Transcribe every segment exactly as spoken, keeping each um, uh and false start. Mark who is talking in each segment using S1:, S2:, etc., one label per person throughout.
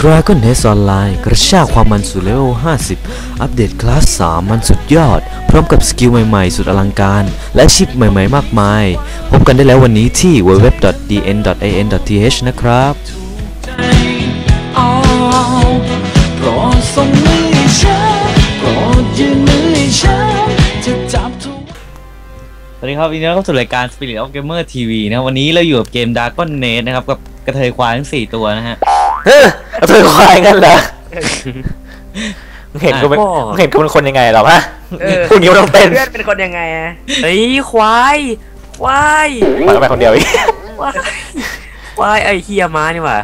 S1: Dragon Nest Online กระชากความมันสู่เลเวลห้าสิบอัปเดตคลาสสามมันสุดยอดพร้อมกับสกิลใหม่ๆสุดอลังการและชิปใหม่ๆมากมายพบกันได้แล้ววันนี้ที่ ดับเบิลยู ดับเบิลยู ดับเบิลยู ดอท ดี เอ็น ดอท เอ เอ็น ดอท ที เอช นะครับ
S2: โปรดส่งมือให้ฉันโปรดยื่นมือให้ฉันจะจับทุกสวัสดีครับวันนี้เราเข้าสู่รายการ Spirit of Gamer ที วี นะวันนี้เราอยู่กับเกม Dragon Nest นะครับกับกระเทยควายทั้งสี่ตัวนะฮะ
S3: เฮ้ยกระเทยควายกันเหรอมึงเห็นกูเป็นมึงเห็นกูเป็นคนยังไงหรอฮะพูดนิ้วต้องเต้น
S4: เพื่อนเป็นคนยังไงอะเฮ้ยควายควาย
S3: มาไปคนเดียวอีก
S4: ควายควายไอ้เฮียม้านี่หว่า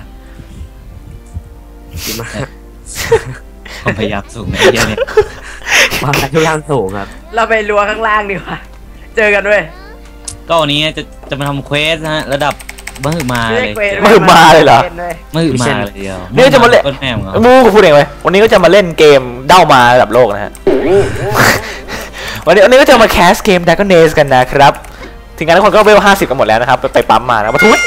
S4: ดีมาก
S2: ความพยายามสูงไอ้เฮียเนี่ย
S4: มาทุกอย่างสูงครับเราไปรัวข้างล่างดีกว่าเจอกันด้วย
S2: ก็วันนี้จะจะมาทำเควสนะฮะระดับมหึมาเลย
S3: มหึมาเลยเหรอ
S2: มหึมาเลยเดียว
S3: นี่จะมาเล่นมูกูพูดเองเลยวันนี้ก็จะมาเล่นเกมเด้ามาระดับโลกนะฮะวันนี้วันนี้ก็จะมาแคสเกม Dragon Nest กันนะครับทีมงานทุกคนก็เวลห้าสิบกันหมดแล้วนะครับไปปั๊มมานะมาทุย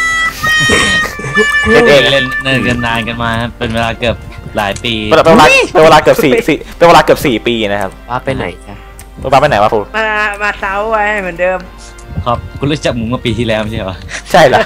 S2: เล่นเองเล่นเล่นกันนานกันมาเป็นเวลาเกือบหลายปี
S3: เป็นเวลาเป็นเวลาเกือบสี่สี่เป็นเวลาเกือบสี่ปีนะครับ
S4: ว่าไปไหนจ้ะ
S3: ว่าไปไหนวะครู
S4: มามาเซาไว้เหมือนเดิม
S2: ครับคุณรู้จักหมูมาปีที่แล้วไม่ใช่เหรอ
S3: ใช่เหรอ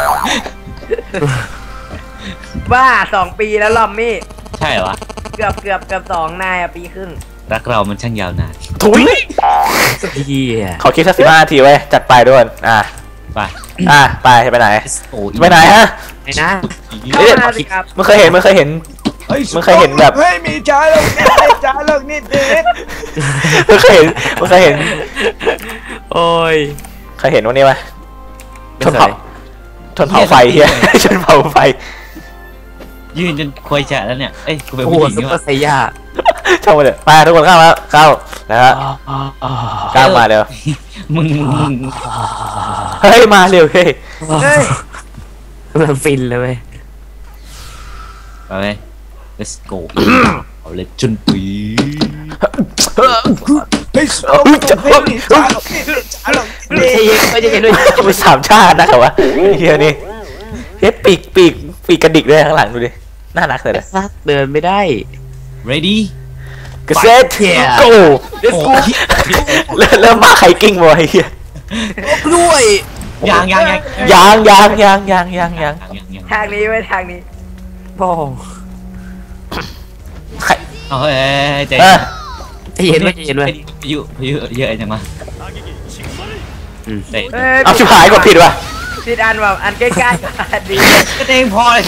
S4: บ้าสองปีแล้วลอมมี่
S2: ใช่เหรอ
S4: เกือบเกือบเกือบสองนายอะปีครึ่ง
S2: รักเรามันช่างยาวนาน
S3: ถุยขอคิดสักสิบห้านาทีไว้จัดไปด้วยอ่ะ
S2: ไป
S3: อ่ะไปไปไหนไปไหนฮะ
S4: ไหนนะ
S3: มึงเคยเห็นมึงเคยเห็นมึงเคยเห็นแบบ
S4: เฮ้ยมีจ้าเลิกนิดจ้าเลิกนิดนิด
S3: มึงเคยเห็นมึงเคยเห็น
S4: โอ้ย
S3: เคยเห็นวันนี้ไหมชนเผาชนเผาไฟเฮียชนเผาไฟ
S2: ยืนจนควยแฉะแล้วเนี่ยเอ้ยกูเป็นผู้หญิงนี่
S4: วะไซย่า
S3: ชมเลยมาทุกคนเข้ามาเข้านะฮะก้าวมาเร็ว
S2: มึงมึง
S3: เฮ้ยมาเร็วเฮ้ย
S4: มันฟินเลยเว้ย
S2: ไปเลย let's go เอาเลยจนปี
S3: เฮ้ยไม่ใช่ด้วยจะไปสามชาตินะครับวะเฮียนี่เฮ้ยปีกปีกปีกกระดิกด้วยข้างหลังดูดิน่ารักเลยนะ
S4: เดินไม่ได้
S2: ready
S3: กระเซ็ตโก้เริ่มมาไข่กิ้งบ่อยเฮีย
S4: ด้วย
S2: ยางยางยาง
S3: ยางยางยางยางยางยาง
S4: ทางนี้ไว้ทางนี้โอ้
S2: เฮ้ยใจ
S4: เย็นไว้ใจเย็นไว้
S2: พายุพายุเยอะจังมา
S3: เอาชิบหายกดผิดว่ะ
S4: ผิดอันแบบอันใกล้ๆอันดี
S2: ก็เองพอเลย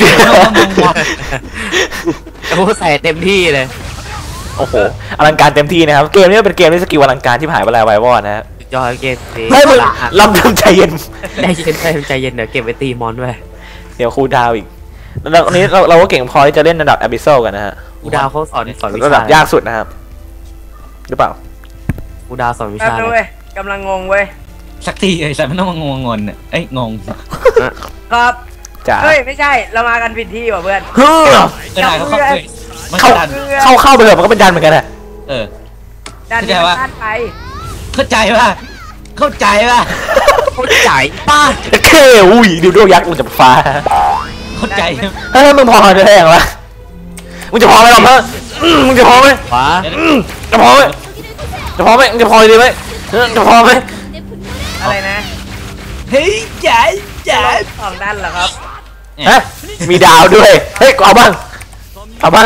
S4: โอ้ใส่เต็มที่เลย
S3: โอ้โหอลังการเต็มที่นะครับเกมนี้เป็นเกมที่สกิลอลังการที่หายไปแล้วไววอดนะฮะ
S4: จอยเกม
S3: ไม่มึงลำทำใจเย็น
S4: ใจเย็นใจเย็นเดี๋ยวเก็บไว้ตีมอนด้วย
S3: เดี๋ยวครูดาวอีกแล้ววันนี้เราเราก็เก่งพอที่จะเล่นระดับ Abyssal กันนะฮะ
S4: ครูดาวเขาสอนสอนวิชา
S3: ระดับยากสุดนะครับหรือเปล่า
S4: ครูดาวสอนวิชาเลยกำลังงงเว้ย
S2: สักทีไอ้สัตว์มันต้องมางงงนเนี่ยเอ้ยงง
S4: ครับจ้าเฮ้ยไม่ใช่เรามากันผิดที่ว่ะเพื่อน
S3: เฮ้ย
S2: เข้า
S3: เข้าเข้าเข้าไปเลยมันก็เป็นดันเหมือนกันอะ
S2: เออ
S4: ดันไปไป
S2: เข้าใจป่ะเข้าใจป่ะ
S4: เข้าใจป้า
S3: เท่อุ้ยดูดวงยักษ์มันจะฟ้า
S2: เข้าใจ
S3: เฮ้ยมึงพอจะได้ยังวะมึงจะพอไหมหรอเพื่อนมึงจะพอไหม
S4: ฟ้า
S3: จะพอไหมจะพอไหมจะพอดีไหมจะพอไหม
S4: อะไรนะ
S2: เฮ้ยใจใจ
S4: สองด้านเหรอครับ
S3: ฮะมีดาวด้วยเฮ้ยเอาบ้างเอาบ้าง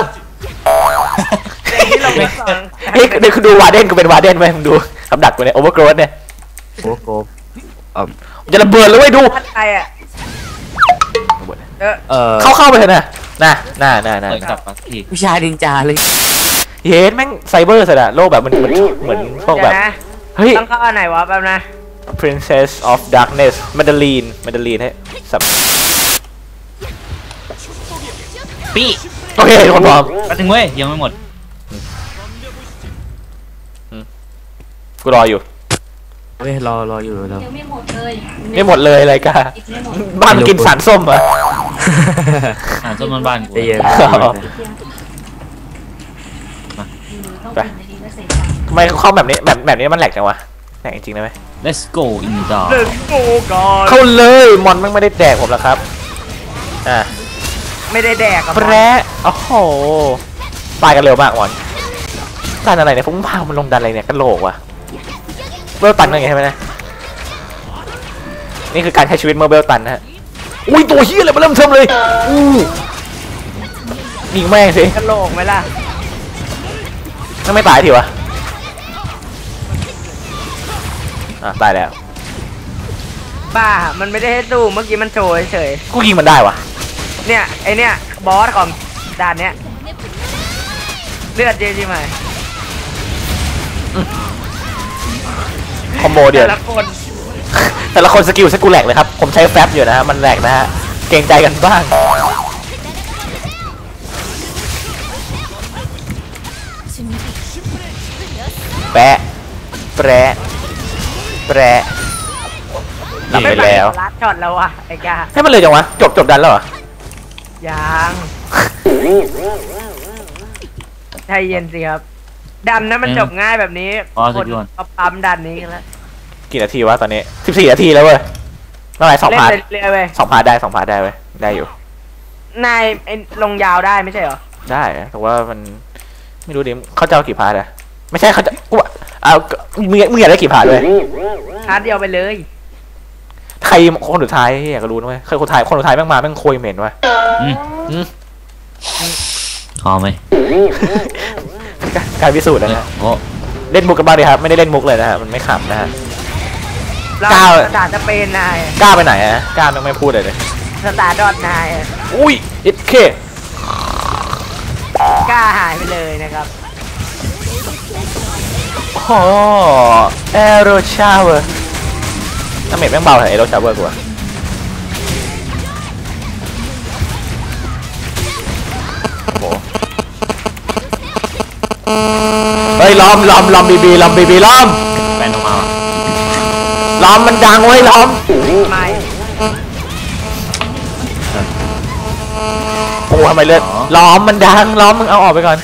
S3: เฮ้ยเดี๋ยวคุณดูวาเดนกูเป็นวาเดนไหมมึงดูกับดักกูเนี่ยโอเวอร์โกรธเนี่ย
S4: โอ้โห
S3: จะระเบิดเลยเว้ยดูเข้าเข้าไปเถอะนะน่ะน่ะน่ะน่ะ
S4: ผู้ชายดินจาเลย
S3: เฮ้ยแม่งไซเบอร์สุดอะโลกแบบมันเหมือนเหมือนพวกแบบ
S4: เฮ้ยต้องเข้าอันไหนวะแป๊บนะ
S3: Princess of Darkness มาดาลีนมาดาลีนให้สับ
S2: ปี
S3: โอเคคนพร้อม
S2: มาถึงเว้ยยังไม่หมด
S3: กูรออยู่
S4: เฮ้ยรอรออยู่แล้ว
S5: ยังไม่หมดเลย
S3: ไม่หมดเลยอะไรกันบ้านกินสารส้มเหรอ
S2: สารส้มมันบ้านกู
S3: ไปทำไมเข้าแบบนี้แบบแบบนี้มันแหลกจังวะแหลกจริงๆได้ไหม
S2: Let's go in the
S4: Let's go ก่อน
S3: เข้าเลยมอนมันไม่ได้แดกผมแล้วครับอ่ะ
S4: ไม่ได้แดกกับ
S3: แปรโอ้โหตายกันเร็วมากวันดันอะไรเนี่ยฟุ้งพามันลงดันอะไรเนี่ยกระโหลกว่ะเบลตันอะไรใช่ไหมนะนี่คือการใช้ชีวิตเมื่อเบลตันนะฮะอุ้ยตัวเฮี้ยอะไรมาเริ่มเทิมเลยอู้ยิงแม่งสิ
S4: กระโหลกไหมล่ะ
S3: นั่นไม่ตายทีวะอ่ะตายแล้ว
S4: ป้ามันไม่ได้ให้สู้เมื่อกี้มันโชว์เฉย
S3: กูยิงมันได้วะ
S4: ๆเนี่ยไอเนี่ยบอสของด่านเนี้ยเลือดเยอะใช่ไหม
S3: คอมโบเดียว
S4: แต่ละคน
S3: แต่ละคนสกิลสกูแหลกเลยครับผมใช้แฟบอยู่นะฮะมันแหลกนะฮะเกรงใจกันบ้างแปะแปะแปะหลับไปแล้ว
S4: ลัดช็อตแล้ววะไอ้กา
S3: ให้มันเลยจังวะจบจบดันแล้วเหรอ
S4: ยังใจเย็นสิครับดันนะมันจบง่ายแบบนี้คนเอาปั๊มดันนี้กันแล้ว
S3: กี่นาทีวะตอนนี้สิบสี่นาทีแล้วเว้ยเท่าไหร่สอง
S4: เล่น
S3: พาร์ท
S4: เรื่อยๆเว้ย
S3: สองพาร์ทได้สองพาร์ทได้เว้ยได้อยู่
S4: นายไอ้ลงยาวได้ไม่ใช่เหรอ
S3: ได้แต่ว่ามันไม่รู้ดิเขาจะเอากี่พาร์ทอะไม่ใช่เขาจะกูเอามึงมึงอยากได้กี่พาร์ทเลย
S4: พาร์ทเดียวไปเลย
S3: ใครคนสุดท้ายอยากจะรู้นะเว้ยใครคนสุดท้ายคนสุดท้ายแม่งมาแม่งโคยเหม็นวะ
S2: อืม
S3: อืม
S2: หอมไหม
S3: การพิสูจน์นะฮะ
S2: โอ้
S3: เล่นมุกกันบ้างดิครับไม่ได้เล่นมุกเลยนะฮะมันไม่ขำนะฮะ
S4: เรา
S3: ก้าว
S4: สตาร์จะเป็นนาย
S3: กล้าไปไหนอะกล้าแม่งไม่พูดเลยเลย
S4: สตาร์ดอทนาย
S3: อุ้ยเอ็ดเค
S4: กล้าหายไปเลยนะครับ
S3: โอ้แอโรชาวเวอร์น้ำเม็ดแม่งเบาเหรอแอโรชาวเวอร์กูอะโอ้เฮ้ยล้อมล้อมล้อมบีบีล้อมบีบีล้อม
S2: แบนออกมาว่ะ
S3: ล้อมมันดังเว้ยล้อม
S4: ไม่
S3: โอ้ทำไมเลือดล้อมมันดังล้อมมึงเอาออกไปก่อน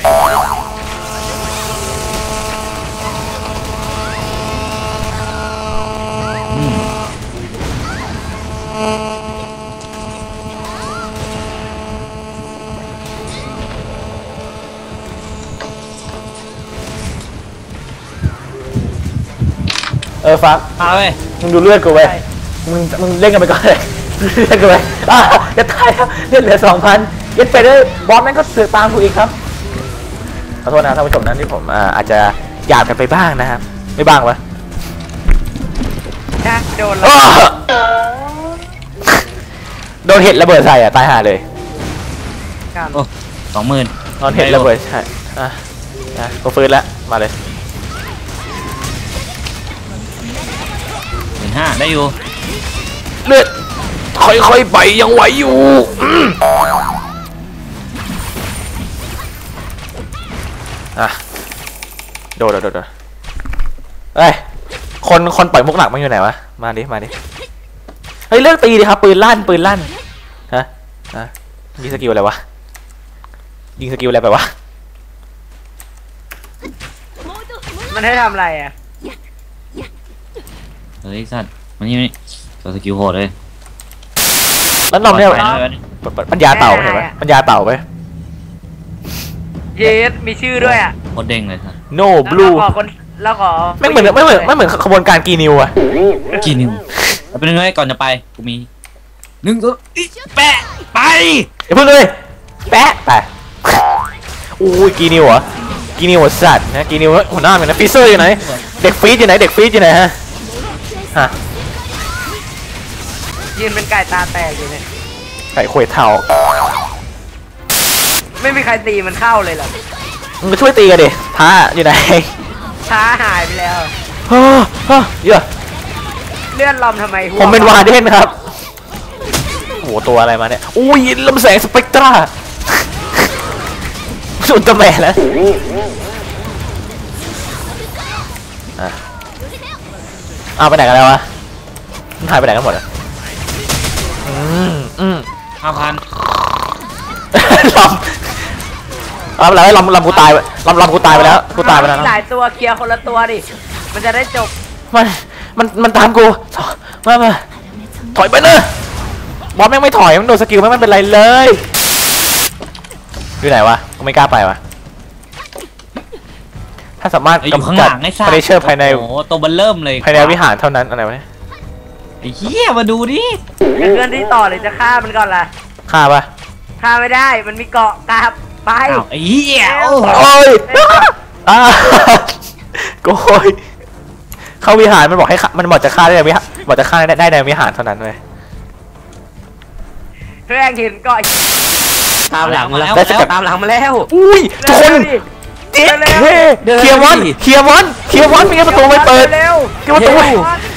S3: เออฟัก
S2: มาเว้ย
S3: มึงดูเลือดกูไว้มึงมึงเล่นกันไปก่อนเลยเล่นกันไปอ่ะจะตายแล้วเลือดเหลือสองพันเย็ดไปเลยบอสแม่งก็เสือกตามกูอีกครับขอโทษนะท่านผู้ชมนั้นที่ผมอ่าอาจจะหยาบกันไปบ้างนะครับไม่บ้างวะ
S4: นะโดน
S3: อ้
S4: แล้ว
S3: อโดนเห็ดระเบิดใส่อ่ะตายห่าเลย
S4: ครับ
S2: โอ้สองหมื่น
S3: โดนเห็ดระเบิดใช่อ่ะอ่ะก็ฟื้นแล้วมาเลย
S2: หมื่นห้าได้อยู่
S3: เลือดค่อยๆไปยังไหวอยู่อืมอ่ะโดดโดดโดดโดดเฮ้ยคนคนปล่อยมุกหนักมันอยู่ไหนวะมาดิมาดิเฮ้ยเลือกตีดิครับปืนลั่นปืนลั่นฮะฮะยิงสกิลอะไรวะยิงสกิลอะไรไปวะ
S4: มันให้ทำอะไรอ่ะ
S2: เฮ้ยสัตว์มันนี่ตัวสกิลโหดเลย
S3: แล้วนอมเนี่ย
S2: ไปเลย
S3: ปัญญาเต่าเห็นไหมปัญญาเต่าไป
S4: เยสมีชื่อด้วยอ่ะ
S2: โคตรเด้งเลยสัตว์
S3: no blue
S4: แล้วขอคนแล้วขอ
S3: ไม่เหมือนไม่เหมือนไม่เหมือนขบวนการกีนิวอะ
S2: กี่นิ้วเอาเป็นไงก่อนจะไปกูมีหนึ่งตัวอิแปะไป
S3: อย่าเพิ่งเลยแปะไปอุ้ยกีนิวเหรอกีนิวสัตว์นะกีนิวหัวหน้าเหมือนนะฟีเซอร์อยู่ไหนเด็กฟีดอยู่ไหนเด็กฟีดอยู่ไหนฮะฮะ
S4: ยืนเป็นไก่ตาแตกอยู่เนี่ย
S3: ไก่ขวยเท่า
S4: ไม่มีใครตีมันเข้าเลยเหรอ
S3: มึงมาช่วยตีกันดิท้าอยู่ไหน
S4: ช้าหายไปแล้ว
S3: ฮ่าฮ่าเยอะ
S4: เลื่อนลอมทำไมหัว
S3: ผมเป็นวาเดนครับโอ้โหตัวอะไรมาเนี่ยอุ้ยลำแสงสเปกตราสุดตะแม่แล้วอ่ะเอาไปไหนกันแล้ววะมันหายไปไหนกันหมดอ่ะอืมอืม
S2: ห้าพัน
S3: ลำเอาไปแล้วลำลำกูตายไปลำลำกูตายไปแล้วกูตายไปแล้วนะ
S4: หลายตัวเคลียร์คนละตัวดิมันจะได้จบ
S3: มันมันมันตามกูมามาถอยไปเนอะบอสแม่งไม่ถอยมันโดนสกิลแม่งไม่เป็นไรเลยอยู่ไหนวะก็ไม่กล้าไปวะถ้าสามารถ
S2: อยู่ข้าง
S3: กำ
S2: ห
S3: จัด
S2: ลังไอ้
S3: เฟ
S2: สั
S3: อร์นิเจอร์ภายใน
S2: โอ้โหตัวเบันเริ่มเลย
S3: ภายในวิหารเท่านั้นอะไรวะ
S2: ไอ้เหี้ยมาดูดิ
S4: จะเคลื่อนที่ต่อหรือจะฆ่ามันก่อนล่ะ
S3: ฆ่าปะ
S4: ฆ่าไม่ได้มันมีเกาะกราบไป
S2: อ้าวไอ้เหี้ย
S4: เร็ว
S2: โอ้โห
S3: โอ้ยอ่าโกยเข้าวิหารมันบอกให้ฆ่ามันบอกจะฆ่าได้ในวิหารบอกจะฆ่าได้ได้ในวิหารเท่านั้นเลย
S4: แม่งเห็นเกาะ
S2: ตามหลังมาแล้ว
S3: ได้สกัด
S2: ตามหลังมาแล้ว
S3: อุ้ยทุกคน
S4: เร็วดิ
S3: เฮ้
S2: เดิน
S3: เคลียร์มอน
S2: ดิ
S3: เคลียร์มอนเคลียร์มอนไม่งั้นประตูไม่เปิด
S4: เร็ว
S3: เคลียร์ประตูไว้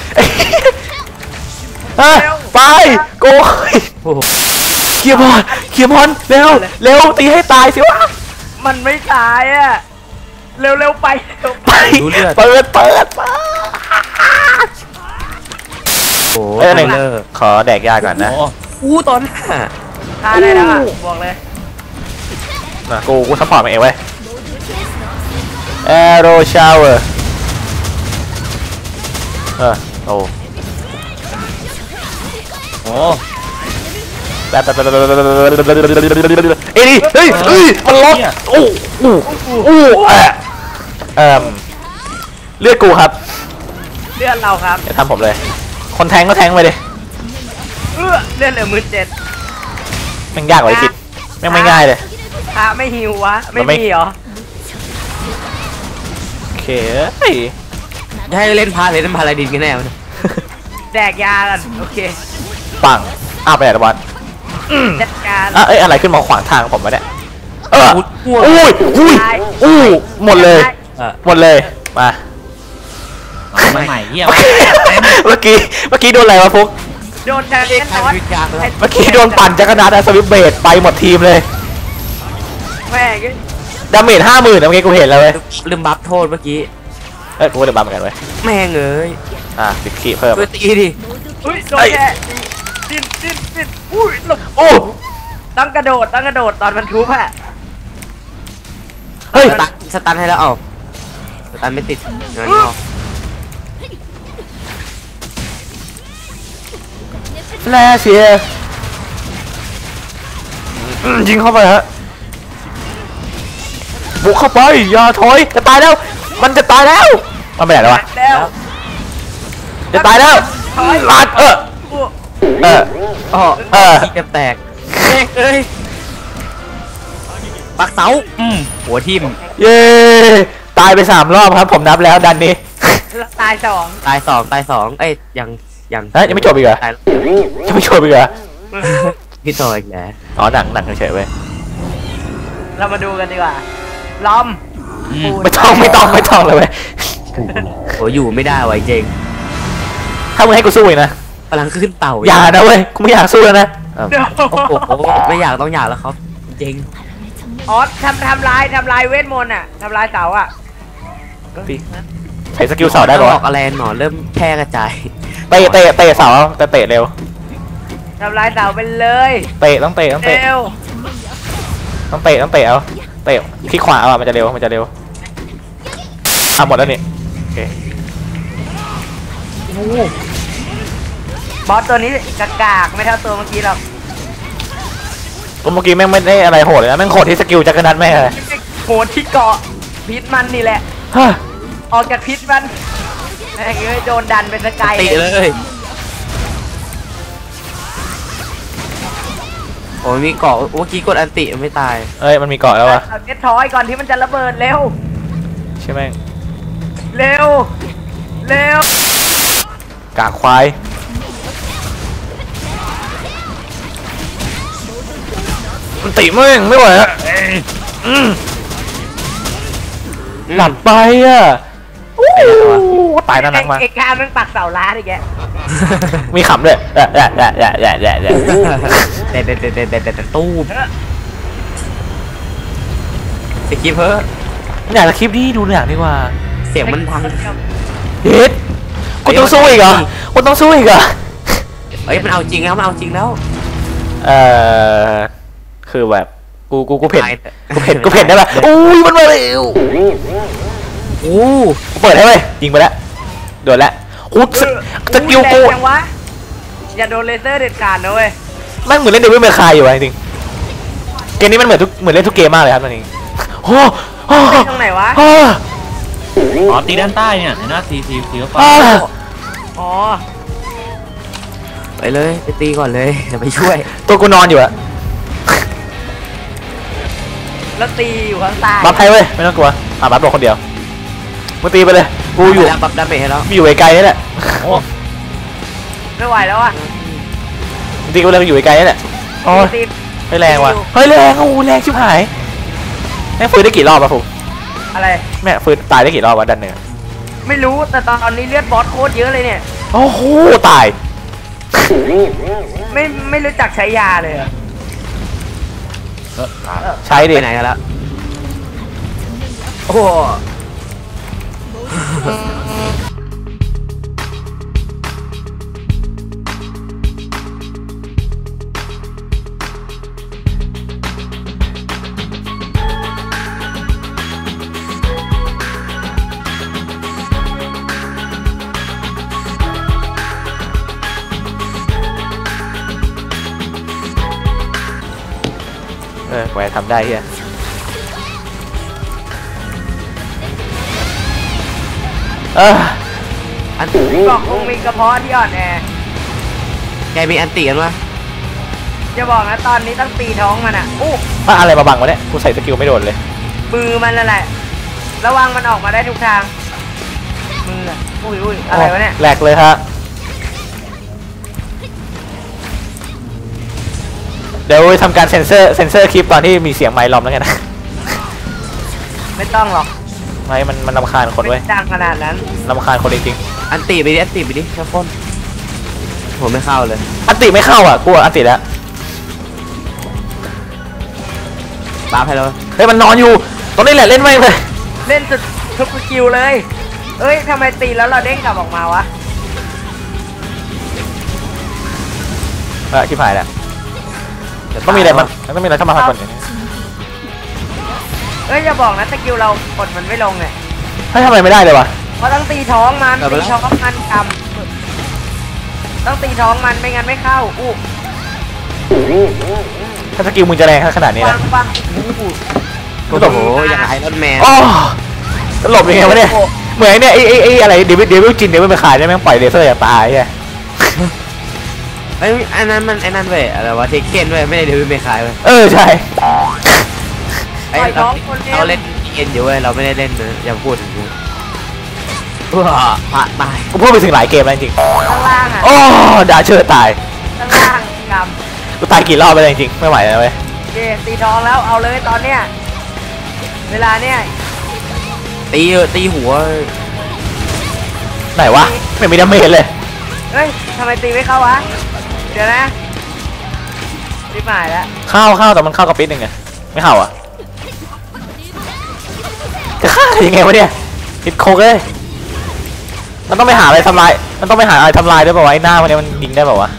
S3: อ่ะไปโกย
S2: โอ้โห
S3: เคลียร์มอนเคลียร์มอนเร็วเร็วตีให้ตายสิวะ
S4: มันไม่ตายอ่ะเร็วเร็วไปเร็ว
S3: ไปเปิดเปิดเปิด
S2: โอ้โห
S3: เอ้ยอะไร
S2: เล
S3: นะ
S2: อร์
S3: ขอแดกยาก่อนนะ
S2: อู้ตอนหน้า
S4: ฆ่าได้แล้วอ่ะบอกเลย
S3: นะกูกูซัพพอร์ตมันเองเว้ยแอโรชาวเวอร์เออโอ้
S2: โอ้
S3: แบบแบบแบบเอ้ยเฮ้ยเฮ้ยมันล็อกโอ้โอ้โอ้เออเอ่อเลือดกูครับ
S4: เลื่อนเราครับ
S3: อย่าทำผมเลย คนแทงก็แทงไปดิ
S4: เออเลื่อนเหลือมือเจ็ด
S3: แม่งยากกว่าที่คิดแม่งไม่ง่ายเลย
S4: พระไม่หิววะไม่
S3: มันไม่
S4: มีเหรอ
S3: โอเคเฮ้ย
S2: จะให้เล่นพาเลยเล่นพาลาดินกันแน่วะ
S4: แดกยากันโอเค
S3: ปังอ้าวไปไหนตะวัน
S4: จัดการ
S3: อ่ะเอ้ยอะไรขึ้นมาขวางทางผมวะเนี่ยเอออุ้ยอุ้ยอุ้ยหมดเลย
S2: เออ
S3: หมดเลยมา
S2: เอามาใหม่เหี้ย
S3: เมื่อกี้เมื่อกี้โดนอะไรวะฟุก
S4: โดนจัดการน็อต
S3: เมื่อกี้โดนปั่นจักรนาดสวิปเบดไปหมดทีมเลย
S4: แม่ง
S3: ดาเมจห้าหมื่นเมื่อกี้กูเห็นแล้วเว้ย
S2: ลืมบัฟโทษเมื่อกี้
S3: เอ้ยกูก็เดือดบ้าเหมือนกันเว้ย
S2: แม่งเอ้ย
S3: อ่ะสิบขีดเพิ่ม
S2: ช่วยตีดิ
S4: อุ้ยโดนแค่ดิ้นดิ้นดิ้นอุ้ยหลบ
S3: โอ้
S4: ต้องกระโดดต้องกระโดดตอนมันทุบอะ
S3: เฮ้ย
S2: สตันสตันให้แล้วเอาสตันไม่ติดงั้นเอา
S3: แลเสียอืมยิงเข้าไปฮะบุกเข้าไปอย่าถอยจะตายแล้ว มันจะตายแล้วมันไปไหนแล้ววะ
S4: แล้ว
S3: จะตายแล้วลาดเออ
S4: อู้
S3: เออ
S2: อ๋อ
S3: เออ
S2: ที่จะแตกแม่งเอ้ยปักเสาอืมหัวทิ่ม
S3: เย้ตายไปสามรอบครับผมนับแล้วดันนี้
S4: ตายสอง
S2: ตายสองตายสองเอ้ยยังยัง
S3: เฮ้ยยังไม่จบอีกเหรอ
S2: ตายแล้ว
S3: ยังไม่จบอีกเหรอ
S2: พี่ต่ออีกแล้ว
S3: อ๋อหนังหนังเฉยๆเว้ย
S4: เรามาดูกันดีกว่าล้อม
S2: อืม
S3: ไม่ต้องไม่ต้องไม่ต้องเลยเว้ย
S2: โหอยู่ไม่ได้ไวะเจง
S3: ถ้ามึงให้กูสู้อีกนะ
S2: พลังขึ้นเต่า
S3: อย่านะเว้ยกูไม่อยากสู้แล้วนะอ้าว
S4: เดี๋ยว
S2: โอ้โหไม่อยากต้องอยากแล้วครับเจง
S4: อ๋อทำทำลายทำลายเวทมนต์อะทำลายเสาอะ
S3: พี่ใช้สกิลเสาได้ปะ
S2: บ
S3: วะ
S2: อกอะไรหนอนเริ่มแพร่กระจาย
S3: เตะเตะเตะเสาแต่เตะเร็ว
S4: ทำลายเสาไปเลย
S3: เตะต้องเตะต้องเตะ
S4: เร็ว
S3: ต้องเตะต้องเตะเอาเตะคลิกขวาเอาอะมันจะเร็วมันจะเร็วอ่ะหมดแล้วนี่โอเค
S4: บอสตัวนี้กากากไม่เท่าตัวเมื่อกี้หรอก
S3: เมื่อกี้แม่งไม่ได้อะไรโหดเลยนะแม่งโหดที่สกิลจักรนัดแม่งเลย
S4: โหดที่เกาะพิษมันนี่แหละ
S3: ฮะ
S4: ออกจากพิษมันแม่งเอ้ยโดนดันเป็นสกาย
S2: ติเลยโอ้ยมีเกาะเมื่อกี้กดอันติไม่ตาย
S3: เอ้ยมันมีเกาะแล้ววะ
S4: เอาเน็ตทอยก่อนที่มันจะระเบิดเร็ว
S3: ใช่ไหมง
S4: เร็ว เร็ว
S3: กากควายมันติแม่งไม่ไหวอะอืมหลับไปอ่ะโอ้ตายน่ารักมาก
S4: เอกการมันปักเสาล้านอีกแก
S3: มีขำด้วยแอะแอะแอะแอะแอะแอะแอะ
S2: เด็ดเด็ดเด็ดเด็ดเด็ดเด็ดตู้มสกิปเพิ่ม
S3: อยากจะคลิปนี้ดูหนังดีกว่า
S2: เสียงมันทัง
S3: เฮ็ดคุณต้องสู้อีกเหรอคุณต้องสู้อีกเหรอ
S2: เอ้ยมันเอาจริงแล้วมันเอาจริงแล้ว
S3: เอ่อคือแบบกูกูกูเผ็ด
S2: ตายเถอะ
S3: กูเผ็ดกูเผ็ดได้ปะอุ้ยมันมาเร็ว
S2: โอ้
S3: กูเปิดให้เลยยิงไปแล้วโดนแล้วกูสสกิลกู
S4: แรงจังวะอย่าโดนเลเซอร์เด็ดขาดนะเว้ย
S3: แม่งเหมือนเล่นเดวิลเมคายอยู่วะจริงเกมนี้มันเหมือนทุกเหมือนเล่นทุกเกมมากเลยครับตอนนี้โอ้โห
S4: ตีตรงไหนวะ
S3: อ๋อ
S2: อ๋อตีด้านใต้เนี่ยเห็นไหมตีตีตีเข้าไป
S4: อ๋อ
S1: ไปเลยไปตีก่อนเลยเดี๋ยวไปช่วย
S3: ตัวกูนอนอยู่อะ
S4: แล้วตีอยู่ข้างใต้
S3: บัฟให้เว้ยไม่ต้องกลัวอ่ะบัฟตัวคนเดียวมึงตีไปเลยกูอยู่
S1: แล้วบัฟดาเมจให้แล้ว
S3: อยู่ไกลๆนี่แหละ
S2: โอ้
S4: ไม่ไหวแล้วอ่ะ
S3: มึงตีกูเลยมึงอยู่ไกลๆนี่แหละโอ้ย
S4: ตี
S3: ไม่แรงว่ะเฮ้ยแรงโอ้โหแรงชิบหายแม่งฟื้นได้กี่รอบวะฟู
S4: อะไร
S3: แม่ฟื้นตายได้กี่รอบวะดันเนื้อ
S4: ไม่รู้แต่ตอนนี้เลือดบอสโคตรเยอะเลยเนี่ย
S3: โอ้โหตาย
S4: ไม่ไม่รู้จักใช้ยาเลยอะ
S2: เออตาย
S3: ใช้ดิ
S1: ไปไหนกันแล้วโอ้โห
S3: เออแหวทำได้เฮียเออ
S1: อันตี
S4: บอกคงมีกระเพาะที่อ่อนแอ
S1: แกมีอันตีกันวะ
S4: จะบอกนะตอนนี้ต้องตีท้องมันอ่ะอู้
S3: มาอะไรมาบังวะเนี่ยกูใส่สกิลไม่โดนเลย
S4: มือมันนั่นแหละ ระวังมันออกมาได้ทุกทางมืออะอุ้ยอุ้ยอะไรวะเนี่ย
S3: แหลกเลยฮะเดี๋ยวทำการเซ็นเซอร์เซ็นเซอร์คลิปตอนที่มีเสียงไมค์ล้อมแล้วกันนะ
S4: ไม่ต้องหรอก
S3: ไม่มันมันรำคาญคนเว้ย
S4: ไม่ดังขนาดนั้น
S3: รำคาญคนจริง
S1: อันตีไปดิอันตีไปดิแค่พ่นผมไม่เข้าเลย
S3: ๆอันติไม่เข้าอ่ะกูอันติแล้ว
S1: บัฟให้แล้ว
S3: เฮ้ยมันนอนอยู่ตรงนี้แหละเล่นไม่เลย
S4: เล่นสุดทุกสกิลเลย เอ้ยทำไมตีแล้วเราเด้งกลับออกมาวะ
S3: เออชิบหายแล้วต้องมีอะไรมันต้องมีอะไรเข้ามาพักก่อนอย่างนี้
S4: เอ้ยอย่าบอกนะสกิลเรากดมันไม่ลงเนี่ย
S3: เฮ้ยทำไมไม่ได้เลยวะ
S4: เพราะต้องตีท้องมันตีท้องมันกำต้องตีท้องมันไม่งั้นไม่เข้าอู้
S3: ถ้าสกิลมึงจะแรงขนาดนี้
S4: ปั
S3: นะ
S4: งปัง
S1: โอ้โหอย่างไอรอนแมน
S3: โอ้ตลบยังไงวะเนี่ยเหมือนไอ้เนี่ยไอ้ไอ้ไอ้อะไรเดวิดเดวิดจินเดวิดไปขายได้แม่งปล่อยเลเซอร์อย่างตายใช่
S1: ไอ้ยอันนั้นมันไอ้นั่นเว้ยอะไรวะเทคเก้นเว้ยไม่ได้เดวิดเมคายเว้ย
S3: เออใช่
S1: ไอ้เราเราเล่นเอ็นอยู่เว้ยเราไม่ได้เล่นนะอย่าพูดถึงกูว้าพระตาย
S3: กูพูดไปถึงหลายเกมแล้วจริง
S4: ข้างล่างอ่ะ
S3: โอ้ด่าเชิดตาย
S4: ข้างล่างก
S3: กูตายกี่รอบไปเลยจริงไม่ไหวแล้วเว้ย
S4: ำโอเคตีท้องแล้วเอาเลยตอนเนี้ยเวลาเนี้ย
S1: ตีตีหัว
S3: ไหนวะไม่มีดาเมจเลย
S4: เฮ้ยทำไมตีไม่เข้าวะเดี๋ยวนะรีบหมายแล้ว
S3: เข้าเข้าแต่มันเข้ากับปิดหนึ่งไงไม่เข้าอ่ะจะฆ่ายังไงวะเนี่ยติดโคกเลยมันต้องไปหาอะไรทำลายมันต้องไปหาอะไรทำลายด้วยเปล่าวะไอ้หน้ามันเนี่ยมันยิงได้เปล่าวะ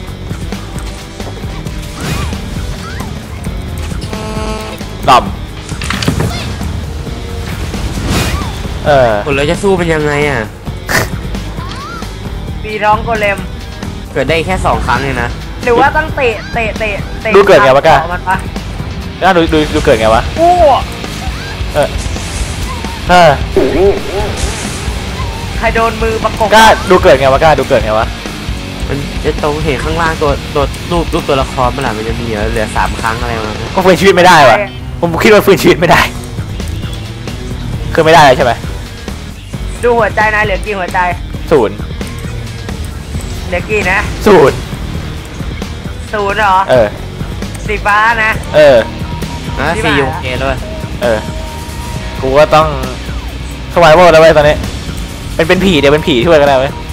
S3: ดอมเออ
S1: คนเราจะสู้เป็นยังไงอ่ะ
S4: ตีท้องโกเลม
S1: เกิดได้แค่สองครั้งเองนะ
S4: หรือว่าต้องเตะเตะเตะเตะ
S3: ดูเกิดไงวะก้า
S4: มันปะ
S3: น่าดูดูดูเกิดไงวะ
S4: อู้
S3: เออเออ
S4: ใครโดนมือประกบ
S3: กล้าดูเกิดไงวะกล้าดูเกิดไงวะ
S1: มันจะตรงเห็นข้างล่างตัวตัวรูปรูปตัวละครมันแหละมันจะมีเหลือสามครั้งอะไรมา
S3: ก็ฟื้นชีวิตไม่ได้วะผมคิดว่าฟื้นชีวิตไม่ได้คือไม่ได้เลยใช่ไหม
S4: ดูหัวใจนายเหลือกี่หัวใจ
S3: ศูนย์
S4: เหลือกี่นะ
S3: ศูนย์
S4: ศูนย์เหรอ
S3: เออ
S4: สีฟ้านะ
S3: เออ
S1: อ่ะ
S4: ที่
S1: ซี
S4: มา
S1: โอเคด้วย
S3: เออกูก็ต้องสวายโวแล้วเว้ยตอนนี้เป็นเป็นผีเดี๋ยวเป็นผีช่วยก็ได้เว้ย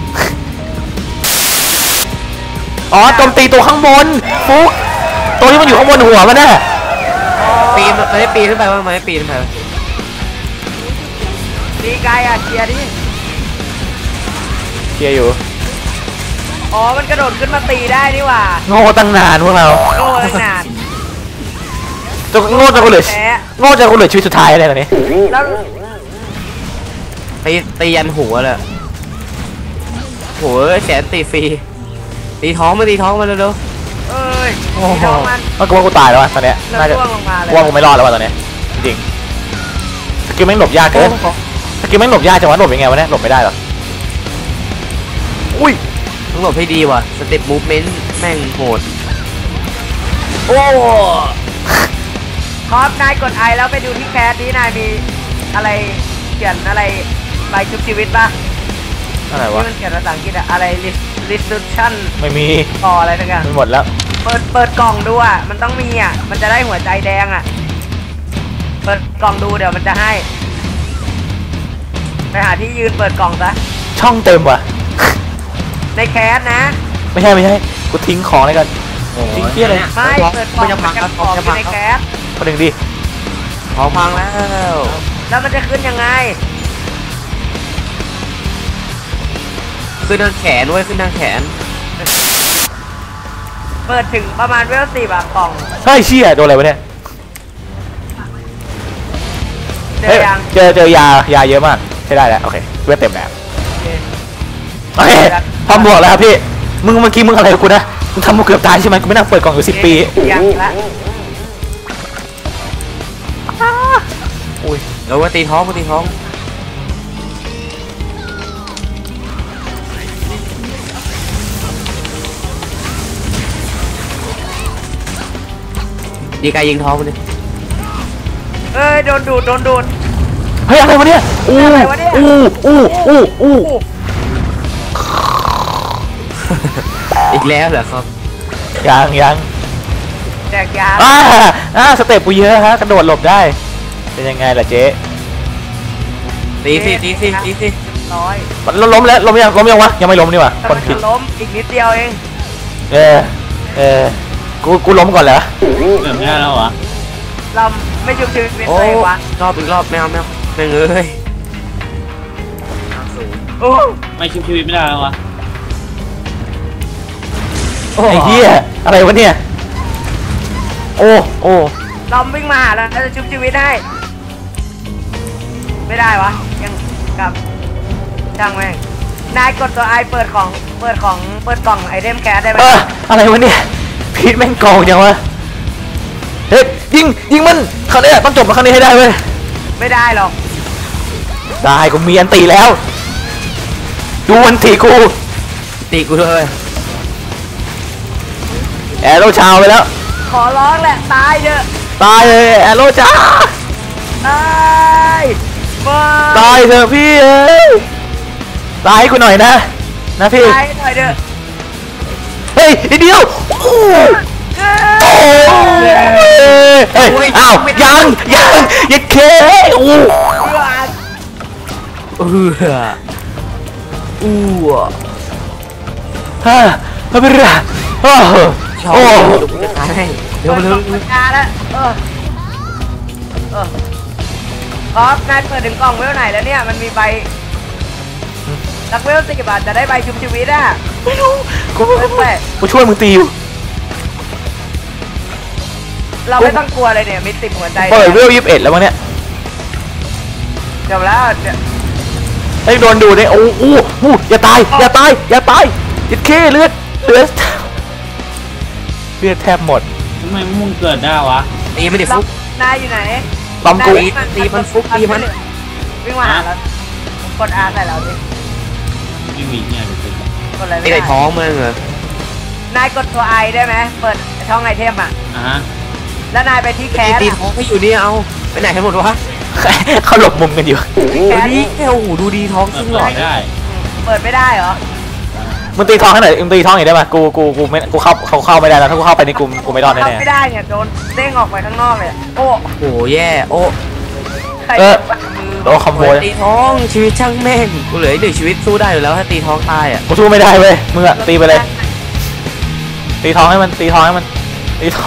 S3: อ๋อโจมตีตัวข้างบนฟุกตัวที่มันอยู่ข้างบนหัวมันน่ะ
S1: ปีนมันไม่ได้ปีนขึ้นไปว่ามันไม่ปีนขึ้นไป
S4: ตีไกลอ่ะเคลียร์ดิ
S3: เคลียร์อยู่
S4: อ๋อมันกระโดดขึ้นมาตีได้นี่หว่า
S3: โง่ตั้งนานพวกเรา
S4: โง่ตั้งนาน
S3: จนโง่จนกูเหลือ
S4: แพ้
S3: โง่จนกูเหลือชีวิตสุดท้ายเลยตอนนี้
S4: แล้ว
S1: ตีตียันหัวเลยโหแสนตีฟรีตีท้องมาตีท้องมาเร็ว
S4: เอ้ยตีท้องมัน
S3: มันกูว่ากูตายแล้ววะตอนเนี้ย
S4: แล้ว
S3: น่าจะ
S4: ร่วงลงมาเลย
S3: กูว่ากูไม่รอดแล้ววะตอนเนี้ยจริงสกิลแม่งหลบยากเกินสกิลแม่งหลบยากจังวะหลบยังไงวะเนี่ยหลบไม่ได้หรออุ้ย
S5: ต้องหลบให้ดีว่ะสเต็ปมูฟเมนต์แม่งโหด
S4: โอ้ครับนายกดไอแล้วไปดูที่แคสนี้นายมีอะไรเขียนอะไรใบชุบชีวิตป่ะ
S3: อะไร
S4: ที่
S3: วะ
S4: มันเขียนภาษาอังกฤษอะอะไร resolution
S3: ไม่มี
S4: ต่ออะไรทั้งอย่าง
S3: มันหมดแล้ว
S4: เปิดเปิดกล่องดูอ่ะมันต้องมีอ่ะมันจะได้หัวใจแดงอ่ะเปิดกล่องดูเดี๋ยวมันจะให้ไปหาที่ยืนเปิดกล่องซะ
S3: ช่องเต็มว่ะ
S4: ในแคสนะ
S3: ไม่ใช่ไม่ใช่กูทิ้งของเลยกันทิ้งเที่ยอะไร
S4: ไม่เปิดกล่องมันจะของอยู่ในแคส
S3: คนหนึ่งดิ
S5: ของพังแล้ว
S4: แล้วมันจะขึ้นยังไง
S5: ขึ้นทางแขนเว้ยขึ้นทางแขน
S4: เปิดถึงประมาณเวลสี่บาทกล่อง
S3: เฮ้ยเชี่ยโดนอะไรวะเนี่ย
S4: เจ
S3: เฮ้
S4: อย ยัง
S3: เจอเจอยายาเยอะมากใช้ได้แล้วโอเคเวทเต็มแล้วโอเคทำบวกแล้วครับพี่มึงเมื่อกี้มึงอะไรกับกูนะมึงทำกูเกือบตายใช่ไหมกูไม่น่าเปิดกล่องอยู่สิบปี
S4: ยังละ
S3: อุ้ย
S5: เดี๋ยวว่าตีท้องว่าตีท้องดีกายยิงท้องมันดิ
S4: เอ้ยโดนดูดโดนดูด
S3: เฮ้ยอะไรวะเนี่ยอู้
S4: อะไรวะเนี่ย
S3: อู้อู้อู้อู้
S5: อีกแล้วเหรอครับ
S3: ยังยัง
S4: แจกยา
S3: อ่าอ่าสเต็ปกูเยอะฮะกระโดดหลบได้เป็นยังไงล่ะเจ๊
S5: ตีสิตีสิตีสิ
S4: ร้อย
S3: มันล้มแล้วล้มยังล้มยังวะยังไม่ล้มนี่หว่า
S4: แต่
S3: คน
S4: มัน
S3: ผิด
S4: จะล้มอีกนิดเดียวเอง
S3: เออเออกูกูล้มก่อนเหรอ
S2: เกือบไม่ได้แล้วเหรอ
S4: เราไม่ชุบชีวิตเป็น
S5: โอ้
S4: เลยวะ
S5: รอบอีกรอบแมวแมวแม่งเอ้ย
S4: โอ้
S2: ไม่ชุบชีวิตไม่ได้แล้ววะ
S3: ไอ้เหี้ยอะไรวะเนี่ยโอ้โอ้
S4: เราวิ่งมาหาแล้วจะชุบชีวิตให้ไม่ได้วะยังกลับช่างแม่งนายกดตัวไอเปิดของเปิดของเปิดกล่องไอเทมแคสได้ไหม
S3: เอออะไรวะเนี่ยพีทแม่งโกงจังวะเฮ้ยยิงยิงมันครั้งนี้ต้องจบมาครั้งนี้ให้ได้เว้ย
S4: ไม่ได้หรอก
S3: ได้กูมีอันตีแล้ว ดูอันตีกู
S5: ตีกูด้วย
S3: แอโร่ชาวไปแล้ว
S4: ขอร้องแหละตายเถอะ
S3: ตายเลยแอโร่จ้า
S4: ตายมา
S3: ตายเถอะพี่เอ้ยตายให้กูหน่อยนะนะพี่
S4: ตายหน่อยเถอะ
S3: เฮ้ยนิดเดียวโอ้โหโอ้ยเฮ้ยอ้าวยังยังยังเคโอ้
S5: เอออู้อ่ะ
S3: ฮ่าไม่เป็นไรโอ้โห
S5: ชอบ
S3: โอ้
S5: กูจะตายให้เร็วเร็ว
S4: เปิดกล่องแล้วเออเออครับนายเปิดถึงกล่องเวลไหนแล้วเนี่ยมันมีใบรักเวลสิบบาทจะได้ใบชุบชีวิตอ่ะ
S3: ไม่รู้กู
S4: แปลก
S3: กูช่วยมึงตีอยู่
S4: เราไม่ต้องกลัวเลยเนี่ยมีติดหัวใจ
S3: เปิดเวลยี่สิบเอ็ดแล้วมั้งเนี่ย
S4: จบแล้วเนี่ย
S3: ไอ้โดนดูเนี่ยโอ้โหอู้อย่าตายอย่าตายอย่าตายจิตเคเลือดเลือดเลือดแทบหมด
S2: ทำไมมึงเกิดได้วะ
S5: ตีไม่ได้
S4: เรา
S5: ฟุก
S4: นายอยู่ไหน
S3: ปั๊มกู
S5: ตีตีมันฟุกตีมัน
S4: วิ่งมาหาเรากดอาใส่เราดิ
S2: ไม่มีเนี่ยเดี๋ยวเกิด
S4: กดอะไร
S5: ไม่
S4: ไม่
S5: ได้
S4: ได้
S5: ท้องมึงเหรอน
S4: ายกดตัวไอได้ไหมเปิดช่องไอเทมอ่ะ
S2: อ่ะฮะ
S4: แล้วนายไปที่แค
S5: ตี
S4: ส
S5: ตีท้องให้อยู่นี่เอาไปไหนกันหมดวะ
S3: เขาหลบมุมกันอยู่
S4: แคส
S5: นี่โอ้โหดูดีท้อง
S2: เปิ
S5: ซึ่
S2: ด
S5: ง
S2: ป
S5: ห
S2: ล่
S5: ล่
S2: อ
S5: อย
S2: ได้
S4: เปิดไม่ได้เหรอ
S3: มึงตีท้องให้หน่อยมึงตีท้องอีกได้ไหมกูกูกูไม่กูเข้าเขาเข้าไม่ได้แล้วถ้ากูเข้าไปนี่กูกูไม่รอด
S4: เข้า
S3: แน่
S4: ไม่ได้เนี่ยโดนเด้งออกไปข้างนอกเลยอะโอ้
S5: โอ้โหแย่โอ้
S4: ใคร
S3: ๆเออ
S4: ปัดมือ
S3: โดนคอมโบ
S5: ตีท้องชีวิตช่างแม่งกูเหลืออีกหนึ่งชีวิตสู้ได้อยู่แล้วถ้าตีท้องตายอ่ะ
S3: กูสู้ไม่ได้เว้ยมึงอะตีไปเลย ตีท้องให้มันตีท้องให้มันตีท้อง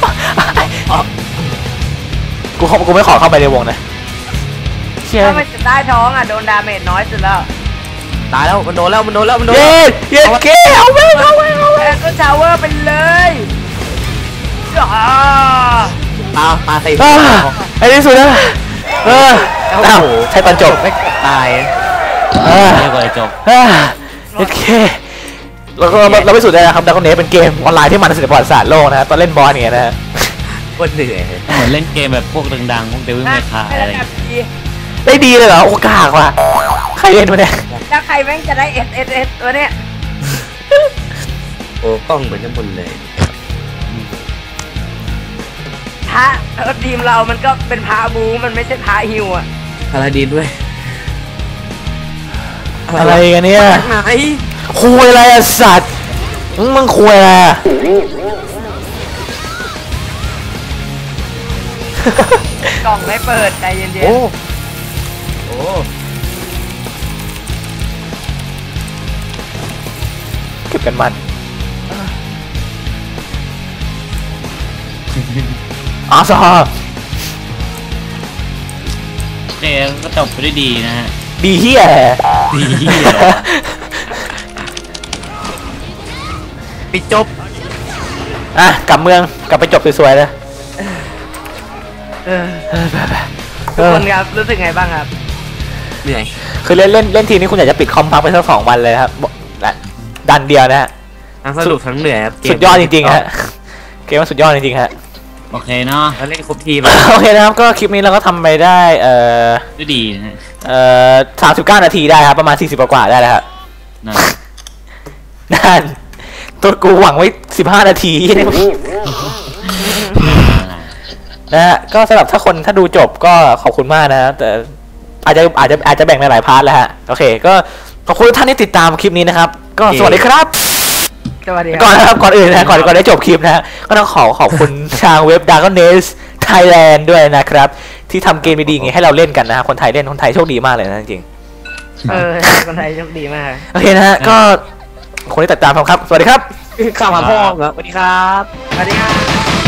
S3: กูเข้ากูไม่ขอเข้าไปในวงนะเชี่ย
S4: ถ้ามันจะใต้ท้องอ่ะโดนดาเมจน้อยสุดแล้ว
S5: ตายแล้วมันโดนแล้วมันโดนแล้วมันโดน
S3: เย็ดเย็ดเก้เอาไปเอาไปเอาไป
S4: แอนก็ชาวเวอร์ไปเลยอ่า
S5: ตาตาใส่
S3: อ่าไอ้ที่สุดนะเอออ้าวใช่ตอนจบ
S5: ไม่ตาย
S3: อ่า
S2: เรียกว่าไอ้จบ
S3: อ่าโอเคเราก็เราไปสุดได้นะครับดักคอนเนสเป็นเกมออนไลน์ที่มันที่สุดในประวัติศาสตร์โลกนะฮะตอนเล่นบอสเนี่ยนะฮะ
S5: คนเหนื่อย
S2: เหมือนเล่นเกมแบบพวกดังๆพวกเดวิลเมคาอะไร
S4: แบบดี
S3: ได้ดีเลยเหรอโอกาสว่ะใครเล่นมาเนี่ย
S4: แล้วใครแม่งจะได้เอสเอสเอสตัวเนี้ย
S5: โอ้กล้องเหมือนจะหมดเลย
S4: พระเออทีมเรามันก็เป็นพระบูมันไม่ใช่พระฮิวอ่ะ
S5: พาราดีนด้วย
S3: อะไรกันเนี่ย
S5: ไหน
S3: คุยอะไรอะสัตว์มึงคุยอะไรอะ
S4: กล่องไม่เปิดใจเย็น
S5: โอ้โอ้
S3: เก็บกันมันอาซา
S2: เกมก็จบไปด้วยดีนะฮะ
S3: ดีเฮีย
S2: ดีเหี้ย
S5: ปิดจบ
S3: อ่ะกลับเมืองกลับไปจบสวยๆเลย
S4: ๆเออทุกคนครับรู้สึกไงบ้างครับ
S5: เหนื่อย
S3: คือเล่นเล่นเล่นทีนี้คุณอยากจะปิดคอมพักไปสักสองวันเลยครับบอกและดันเดียวนะฮะ
S5: ทั้งสนุกทั้งเหนื่อยครับเกม
S3: สุดยอดจริงๆฮะเกมมันสุดยอดจริงๆฮะ
S2: โอเคเนาะ
S5: แล้วเล่นครบทีม
S3: โอเคนะครับก็คลิปนี้เราก็ทำไปได้เอ่อ
S2: ด้วยดีนะฮะ
S3: เอ่อสามสิบเก้านาทีได้ครับประมาณสี่สิบกว่าๆได้แล้วครับ
S2: นะ
S3: นั่นตัวกูหวังไว้สิบห้านาทีนะฮะก็สำหรับถ้าคนถ้าดูจบก็ขอบคุณมากนะแต่อาจจะอาจจะอาจจะแบ่งในหลายพาร์ทแล้วฮะโอเคก็ขอบคุณทุกท่านที่ติดตามคลิปนี้นะครับก็สวัสดีครับ
S4: สวัสดีค
S3: ก่อน
S4: รับ
S3: นะครับก่อนอื่นนะก่อนก่อนได้จบคลิปนะฮะก็ต้องขอขอบคุณ ทางเว็บ Dragon Nest Thailand ด้วยนะครับที่ทำเกมดีๆอย่างงี้ให้เราเล่นกันนะฮะคนไทยเล่นคนไทยโชคดีมากเลยนะจริง
S4: เออคนไทยโชคดีมาก
S3: ๆโอเคนะฮะก็คนที่ติดตามครับสวัสดีครับ
S5: ข้าวมาพ่อครับสวัสดีครับ
S4: สวัสดีครับ